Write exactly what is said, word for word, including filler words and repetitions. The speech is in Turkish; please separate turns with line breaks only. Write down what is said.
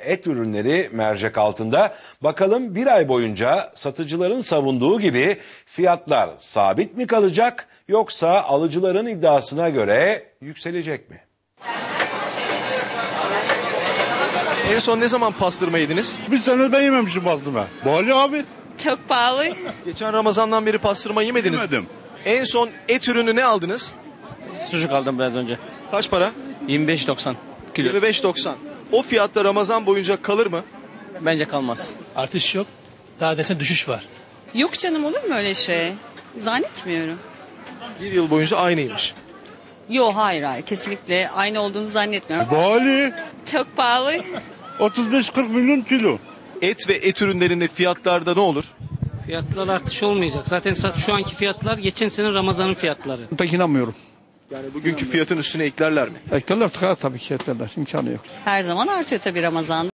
et ürünleri mercek altında. Bakalım bir ay boyunca satıcıların savunduğu gibi fiyatlar sabit mi kalacak yoksa alıcıların iddiasına göre yükselecek mi?
En son ne zaman pastırma yediniz?
Bir sene ben yememişim pastırma. Pahalı abi.
Çok pahalı.
Geçen Ramazan'dan beri pastırma yemediniz mi?
Yemedim.
En son et ürünü ne aldınız?
Sucuk aldım biraz önce.
Kaç para?
yirmi beş doksan kilo.
yirmi beş doksan. O fiyatta Ramazan boyunca kalır mı?
Bence kalmaz.
Artış yok. Daha desene düşüş var.
Yok canım, olur mu öyle şey? Zannetmiyorum.
Bir yıl boyunca aynıymış.
Yok, hayır hayır, kesinlikle aynı olduğunu zannetmiyorum.
Pahalı.
Çok pahalı.
otuz beş kırk milyon kilo.
Et ve et ürünlerinde fiyatlarda ne olur?
Fiyatlar artış olmayacak. Zaten şu anki fiyatlar geçen sene Ramazan'ın fiyatları.
Pek inanmıyorum.
Yani bugünkü fiyatın üstüne eklerler mi?
Eklerler tabii ki eklerler. İmkanı yok.
Her zaman artıyor tabii Ramazan.